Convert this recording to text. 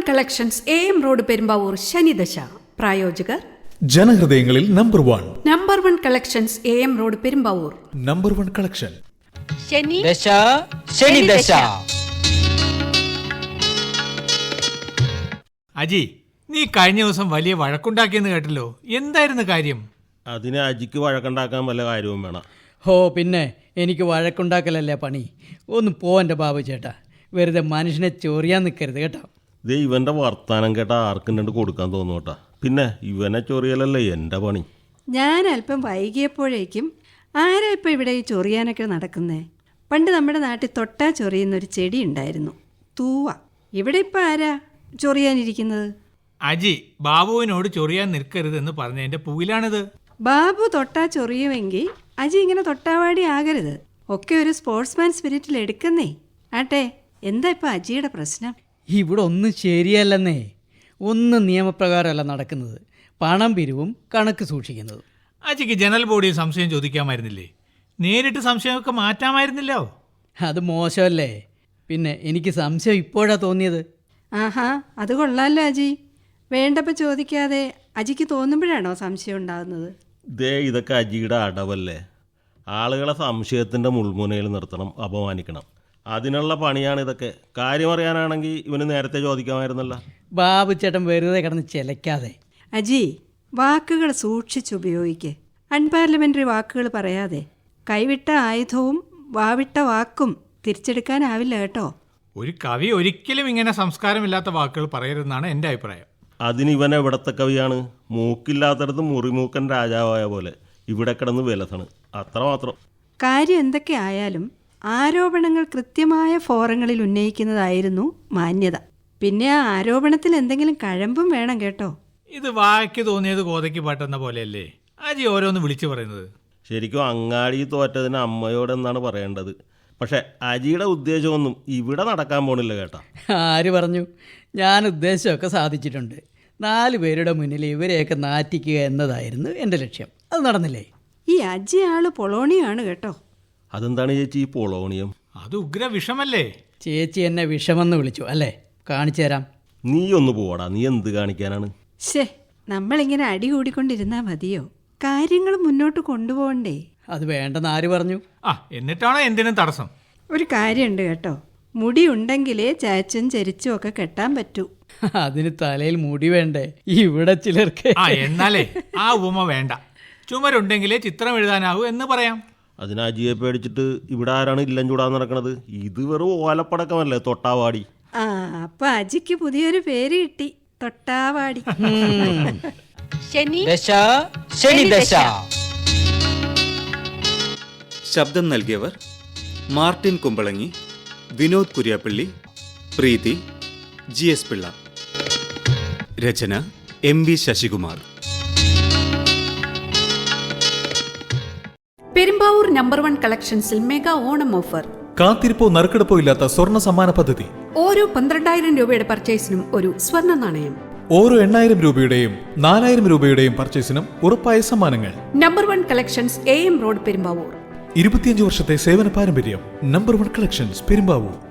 Collections AM road Perumbavoor ശനിദശ. പ്രായോജകർ ജനഹൃദയങ്ങളിൽ number 1. Number 1 collections AM road Perumbavoor. Number 1 collection. ശനിദശ. അജി, നീ കഴിഞ്ഞ ദിവസം വലിയ വഴക്കുണ്ടാക്കിയെന്ന് കേട്ടല്ലോ, എന്തായിരുന്നു കാര്യം? അതിന് അജിക്ക് വഴക്കുണ്ടാക്കാൻ വല്ല കാര്യവും വേണം. പിന്നെ എനിക്ക് വഴക്കുണ്ടാക്കലല്ലേ പണി. ഒന്ന് പോവൻ്റെ ബാബു ചേട്ടാ, വെറുതെ മനുഷ്യനെ ചൊറിയാൻ നിൽക്കരുത് കേട്ടോ. ദേ ഇവൻ്റെ വർത്താനം കേട്ടാ ആർക്കും രണ്ട് കൊടുക്കാൻ തോന്നും കേട്ടാ. പിന്നെ ഇവനെ ചൊറിയലല്ലേ എൻ്റെ പണി. ഞാൻ അല്പം വൈകിയപ്പോഴേക്കും ആരാ ഇപ്പം ഇവിടെ ഈ ചൊറിയാനൊക്കെ നടക്കുന്നേ? പണ്ട് നമ്മുടെ നാട്ടിൽ തൊട്ടാ ചൊറിയുന്നൊരു ചെടി ഉണ്ടായിരുന്നു, തൂവ. ഇവിടെ ഇപ്പം ആരാ ചൊറിയാനിരിക്കുന്നത്? അജി, ബാബുവിനോട് ചൊറിയാൻ നിൽക്കരുതെന്ന് പറഞ്ഞതിന്റെ പൂവിലാണിത്. ബാബു തൊട്ടാ ചൊറിയുമെങ്കിൽ അജി ഇങ്ങനെ തൊട്ടാവാടി ആകരുത്. ഒക്കെ ഒരു സ്പോർട്സ്മാൻ സ്പിരിറ്റിൽ എടുക്കുന്നേ. ആട്ടെ, എന്താ ഇപ്പം അജിയുടെ പ്രശ്നം? ഇവിടെ ഒന്നും ശരിയല്ലെന്നേ. ഒന്നും നിയമപ്രകാരമല്ല നടക്കുന്നത്. പണം പിരിവും കണക്ക് സൂക്ഷിക്കുന്നത്. അജിക്ക് ജനറൽ ബോഡിയിൽ സംശയം ചോദിക്കാമായിരുന്നില്ലേ? നേരിട്ട് സംശയമൊക്കെ മാറ്റാമായിരുന്നില്ലോ. അത് മോശമല്ലേ? പിന്നെ എനിക്ക് സംശയം ഇപ്പോഴാ തോന്നിയത്. ആഹാ, അത് കൊള്ളാമല്ലോ അജി. വേണ്ടപ്പോൾ ചോദിക്കാതെ അജിക്ക് തോന്നുമ്പോഴാണോ സംശയം ഉണ്ടാകുന്നത്? ദേ ഇതൊക്കെ അജിയുടെ അടവല്ലേ. ആളുകളെ സംശയത്തിൻ്റെ മുൾമുനയിൽ നിർത്തണം, അപമാനിക്കണം. അതിനുള്ള പണിയാണ് ഇതൊക്കെ. കാര്യം അറിയാനാണെങ്കിൽ ഇവന് നേരത്തെ ചോദിക്കാമായിരുന്നല്ലോ. ബാബു ചേട്ടൻ വെറുതെ കിടന്ന് ചിലക്കാതെ. അജി, വാക്കുകൾ സൂക്ഷിച്ചുപയോഗിക്ക്. അൺപാർലമെൻ്ററി വാക്കുകൾ പറയാതെ. കൈവിട്ട ആയുധവും വാവിട്ട വാക്കും തിരിച്ചെടുക്കാനാവില്ല കേട്ടോ. ഒരു കവി ഒരിക്കലും ഇങ്ങനെ സംസ്കാരമില്ലാത്ത വാക്കുകൾ പറയരുതെന്നാണ് എൻ്റെ അഭിപ്രായം. അതിന് ഇവൻ എവിടത്തെ കവിയാണ്? മൂക്കില്ലാത്തടത്ത് മുറിമൂക്കൻ രാജാവായ പോലെ ഇവിടെ കിടന്ന് വിലസണ്, അത്രമാത്രം. കാര്യം എന്തൊക്കെ ആയാലും ആരോപണങ്ങൾ കൃത്യമായ ഫോറങ്ങളിൽ ഉന്നയിക്കുന്നതായിരുന്നു മാന്യത. പിന്നെ ആ ആരോപണത്തിൽ എന്തെങ്കിലും കഴമ്പും വേണം കേട്ടോ. ഇത് വായ്ക്ക് തോന്നിയത് കോതയ്ക്ക് പാട്ടെന്ന പോലെയല്ലേ അജി ഓരോന്ന് വിളിച്ചു പറയുന്നത്? ശരിക്കും അങ്ങാടി തോറ്റതിന് അമ്മയോടെന്നാണ് പറയേണ്ടത്. പക്ഷെ അജിയുടെ ഉദ്ദേശമൊന്നും ഇവിടെ നടക്കാൻ പോണില്ല കേട്ടോ. ആര് പറഞ്ഞു? ഞാൻ ഉദ്ദേശമൊക്കെ സാധിച്ചിട്ടുണ്ട്. 4 പേരുടെ മുന്നിൽ ഇവരെയൊക്കെ നാറ്റിക്കുക എന്നതായിരുന്നു എൻ്റെ ലക്ഷ്യം. അത് നടന്നില്ലേ? ഈ അജി ആള് പൊളോണിയാണ് കേട്ടോ. അതെന്താണ് ചേച്ചി ഈ പൊളോണിയം? അത് ഉഗ്ര വിഷമല്ലേ? ചേച്ചി എന്നെ വിഷമെന്ന് വിളിച്ചു അല്ലേ? കാണിച്ചു തരാം. നീ ഒന്ന് പോടാ, നീ എന്ത് കാണിക്കാനാണ്? ശേ, നമ്മളിങ്ങനെ അടി കൂടിക്കൊണ്ടിരുന്നാൽ മതിയോ? കാര്യങ്ങൾ മുന്നോട്ട് കൊണ്ടുപോകണ്ടേ? അത് വേണ്ടെന്ന് ആര് പറഞ്ഞു? എന്നിട്ടാണോ എന്തിനും തടസ്സം? ഒരു കാര്യമുണ്ട് കേട്ടോ, മുടി ഉണ്ടെങ്കിലേ ചാച്ചും ചരിച്ചും ഒക്കെ കെട്ടാൻ പറ്റൂ. അതിന് തലയിൽ മുടി വേണ്ടേ? ഇവിടെ ചിലർക്ക്. എന്നാലേ ആ ഉപമ വേണ്ട. ചുമരുണ്ടെങ്കിലേ ചിത്രം എഴുതാനാവൂ എന്ന് പറയാം. അതിന് അജിയെ പേടിച്ചിട്ട് ഇവിടെ ആരാണ് ഇല്ലം ചൂടാൻ നടക്കണത്? ഇത് വെറും ഓലപ്പടക്കമല്ലേ, തൊട്ടാവാടി. അപ്പൊ അജിക്ക് പുതിയൊരു പേര് കിട്ടി, തൊട്ടാവാടി. ശനിദശ. ശബ്ദം നൽകിയവർ മാർട്ടിൻ കുമ്പളങ്ങി, വിനോദ് കുര്യാപ്പള്ളി, പ്രീതി, GS പിള്ള. രചന MV ശശികുമാർ. പെരുമ്പാവൂർ നമ്പർ 1 കളക്ഷൻസിൽ മെഗാ ഓണം ഓഫർ. കാത്തിരിപ്പോ നറുക്കെടുപ്പോ ഇല്ലാത്ത സ്വർണ്ണ സമ്മാന പദ്ധതി. ഓരോ 12,000 രൂപയുടെ പർച്ചേസിനും ഒരു സ്വർണ്ണ നാണയം. ഓരോ 8,000 രൂപയുടെയും 4,000 രൂപയുടെയും പർച്ചേസിനും ഉറപ്പായ സമ്മാനങ്ങൾ. Number 1 collections AM road Perumbavoor. 25 വർഷത്തെ സേവന പാരമ്പര്യം. Number 1 collections Perumbavoor.